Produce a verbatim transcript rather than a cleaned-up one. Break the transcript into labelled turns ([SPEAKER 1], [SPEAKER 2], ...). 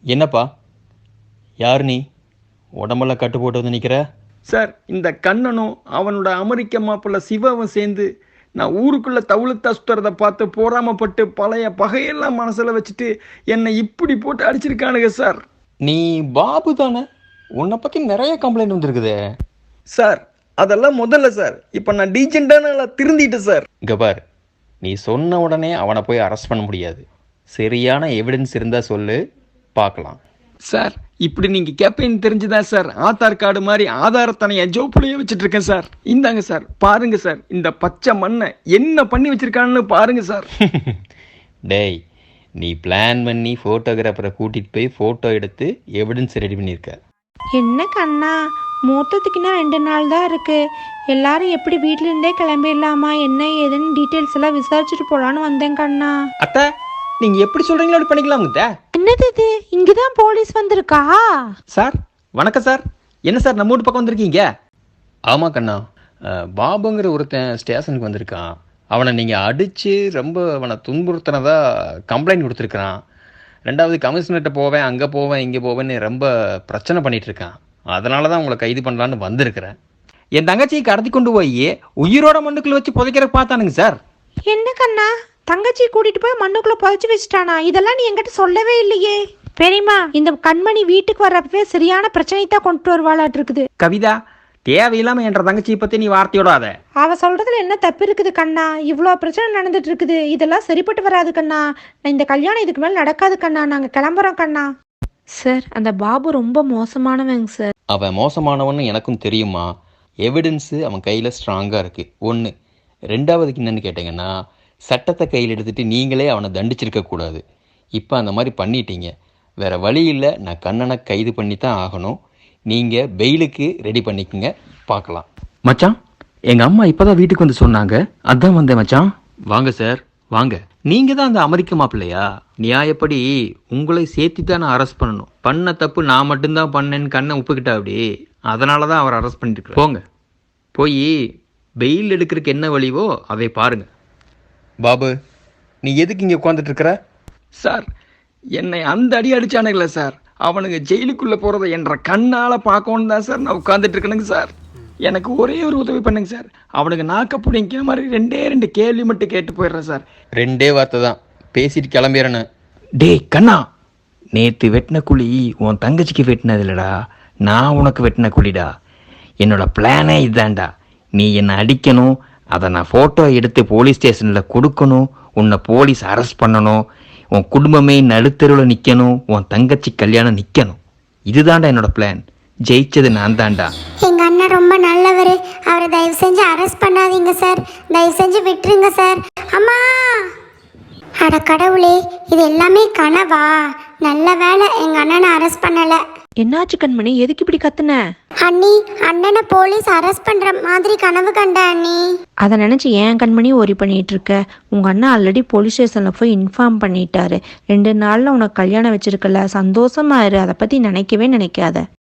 [SPEAKER 1] என்னப்பா, யார் நீ? உடம்பெல்லாம் கட்டு போட்டு வந்து நிற்கிற?
[SPEAKER 2] சார், இந்த கண்ணனும் அவனோட அமெரிக்க மாப்பிள்ள சிவாவும் சேர்ந்து நான் ஊருக்குள்ளே தவுளுத்தா சுற்றுறதை பார்த்து போராமப்பட்டு பழைய பகையெல்லாம் மனசில் வச்சுட்டு என்னை இப்படி போட்டு அடிச்சிருக்கானுங்க சார்.
[SPEAKER 1] நீ பாபு தானே? உன்னை பற்றி நிறைய கம்ப்ளைண்ட் வந்துருக்குதே.
[SPEAKER 2] சார், அதெல்லாம் முதல்ல சார். இப்போ நான் டீஜெண்டான திருந்திட்டேன் சார்.
[SPEAKER 1] இங்கே பார், நீ சொன்ன உடனே அவனை போய் அரெஸ்ட் பண்ண முடியாது. சரியான எவிடன்ஸ் இருந்தால் சொல்லு, பார்க்கலாம்.
[SPEAKER 2] சார், இப்படி நீங்கள் கேட்பேன்னு தெரிஞ்சுதான் சார் ஆதார் கார்டு மாதிரி ஆதாரத்தனை என் ஜோப்புலையே வச்சுட்டு இருக்கேன் சார். இந்தாங்க சார், பாருங்க சார், இந்த பச்சை மண்ணை என்ன பண்ணி வச்சிருக்கான்னு பாருங்க சார்.
[SPEAKER 1] டேய், நீ பிளான் பண்ணி ஃபோட்டோகிராஃபரை கூட்டிகிட்டு போய் ஃபோட்டோ எடுத்து எவிடன்ஸ் ரெடி பண்ணியிருக்க.
[SPEAKER 3] என்ன கண்ணா, மூத்தத்துக்குன்னா ரெண்டு நாள் தான் இருக்கு. எல்லாரும் எப்படி வீட்டிலேருந்தே கிளம்பிடலாமா என்ன ஏதுன்னு டீட்டெயில்ஸ் எல்லாம் விசாரிச்சுட்டு போலான்னு வந்தேன் கண்ணா.
[SPEAKER 2] அத்தை, நீங்க எப்படி சொல்றீங்களோ அப்படி பண்ணிக்கலாமுங்க.
[SPEAKER 3] என்னது இது, இங்கதான் போலீஸ் வந்திருக்கா?
[SPEAKER 2] சார் வணக்கம் சார். என்ன சார் நம்ம வீட்டு பக்கம் வந்திருக்கீங்க?
[SPEAKER 1] ஆமாம் கண்ணா, பாபுங்கிற ஒருத்தன் ஸ்டேஷனுக்கு வந்திருக்கான். அவனை நீங்கள் அடித்து ரொம்ப அவனை துன்புறுத்தினதா கம்ப்ளைண்ட் கொடுத்துருக்குறான். ரெண்டாவது கமிஷனர்கிட்ட போவேன், அங்கே போவேன், இங்கே போவேன்னு ரொம்ப பிரச்சனை பண்ணிகிட்டு இருக்கான். அதனால தான் உங்களை கைது பண்ணலான்னு வந்திருக்கிறேன்.
[SPEAKER 2] என் தங்கச்சியை கடத்தி கொண்டு போய் உயிரோட மண்ணுக்குள்ள வச்சு புதைக்கிற பார்த்தானுங்க சார்.
[SPEAKER 3] என்ன கண்ணா, தங்கச்சி கூட்டிட்டு போய் மண்ணுக்குள்ள புதைச்சு வச்சுட்டானா? இதெல்லாம் நீ என்கிட்ட சொல்லவே இல்லையே. பெரியமா, இந்த கண்மணி வீட்டுக்கு வர்றப்பவே சரியான பிரச்சனை தான் கொண்டு வருவாளாட்டு இருக்குது.
[SPEAKER 2] கவிதா, தேவையில்லாம என்ற தங்கச்சியை பத்தி நீ வார்த்தையோடாத.
[SPEAKER 3] அவ சொல்றதுல என்ன தப்பு இருக்குது கண்ணா? இவ்வளோ பிரச்சனை நடந்துட்டு இருக்குது, இதெல்லாம் சரிப்பட்டு வராது கண்ணா. இந்த கல்யாணம் இதுக்கு மேல நடக்காது கண்ணா. நாங்க கிளம்புறோம் கண்ணா. சார், அந்த பாபு ரொம்ப மோசமானவங்க சார்.
[SPEAKER 1] அவன் மோசமானவன்னு எனக்கும் தெரியுமா. எவிடன்ஸு அவன் கையில் ஸ்ட்ராங்காக இருக்குது, ஒன்று. ரெண்டாவதுக்கு என்னென்னு கேட்டிங்கன்னா, சட்டத்தை கையில் எடுத்துகிட்டு நீங்களே அவனை தண்டிச்சிருக்கக்கூடாது. இப்போ அந்த மாதிரி பண்ணிட்டீங்க. வேறு வழி இல்லை, நான் கண்ணனை கைது பண்ணி தான் ஆகணும். நீங்கள் பெயிலுக்கு ரெடி பண்ணிக்கோங்க, பார்க்கலாம்.
[SPEAKER 2] மச்சான், எங்கள் அம்மா இப்போ தான் வீட்டுக்கு வந்து சொன்னாங்க, அதான் வந்தேன் மச்சான்.
[SPEAKER 1] வாங்க சார், வாங்க.
[SPEAKER 2] நீங்கள் தான் அந்த அமெரிக்க மாப்பிள்ளையா? நியாயப்படி உங்களை சேர்த்து தான் நான் அரெஸ்ட் பண்ணணும். பண்ண தப்பு நான் மட்டும்தான் பண்ணேன்னு கண்ணை ஒப்புக்கிட்டா அப்படி. அதனால தான் அவர் அரெஸ்ட் பண்ணிட்டு போங்க. போய் பெயில் எடுக்கிறதுக்கு என்ன வழிவோ அதை பாருங்க.
[SPEAKER 1] பாபு, நீ எதுக்கு இங்கே உட்காந்துட்டு இருக்கிற?
[SPEAKER 2] சார், என்னை அந்த அடி அடிச்சானுங்களே சார், அவனுங்க ஜெயிலுக்குள்ளே போகிறத என்ற கண்ணால் பார்க்கணும் தான் சார் நான் உட்காந்துட்டு இருக்கணுங்க சார். எனக்கு ஒரே ஒரு உதவி பண்ணுங்க சார். அவனுக்கு நாக்க பிடிங்கிற மாதிரி ரெண்டே ரெண்டு கேள்வி மட்டும் கேட்டு போயிடுறேன் சார்.
[SPEAKER 1] ரெண்டே வார்த்தை தான் பேசிட்டு கிளம்பிடுறேன்னு.
[SPEAKER 2] டேய் கண்ணா, நேற்று வெட்டின குழி உன் தங்கச்சிக்கு வெட்டினது இல்லடா, நான் உனக்கு வெட்டின குழிடா. என்னோட பிளானே இதுதான்டா. நீ என்னை அடிக்கணும், அதை நான் ஃபோட்டோ எடுத்து போலீஸ் ஸ்டேஷனில் கொடுக்கணும், உன்னை போலீஸ் அரெஸ்ட் பண்ணணும், உன் குடும்பமே நடுத்தருவில் நிற்கணும், உன் தங்கச்சி கல்யாணம் நிற்கணும். இதுதான்டா என்னோட பிளான். ஜெயிச்சது நான் தான்டா.
[SPEAKER 4] எங்கள் அண்ணன் ரொம்ப நல்லவர். அவரை தயவு செஞ்சு அரெஸ்ட் பண்ணாதீங்க சார். தயவு செஞ்சு விட்டுருங்க சார். அம்மா, அட கடவுளே, இது எல்லாமே கனவா? நல்ல வேலை எங்கள் அண்ணனை அரெஸ்ட் பண்ணலை.
[SPEAKER 3] என்னாச்சு கண்மணி, எதுக்கு இப்படி கத்துன?
[SPEAKER 4] அண்ணி, அண்ணனை போலீஸ் அரெஸ்ட் பண்ணுற மாதிரி கனவு கண்ட அண்ணி.
[SPEAKER 3] அதை நினச்சி ஏன் கண்மணி ஒரி பண்ணிட்டு இருக்க? உங்கள் அண்ணா ஆல்ரெடி போலீஸ் ஸ்டேஷனில் போய் இன்ஃபார்ம் பண்ணிட்டாரு. ரெண்டு நாளில் உனக்கு கல்யாணம் வச்சிருக்கல, சந்தோஷமா இரு. அதை பற்றி நினைக்கவே நினைக்காத.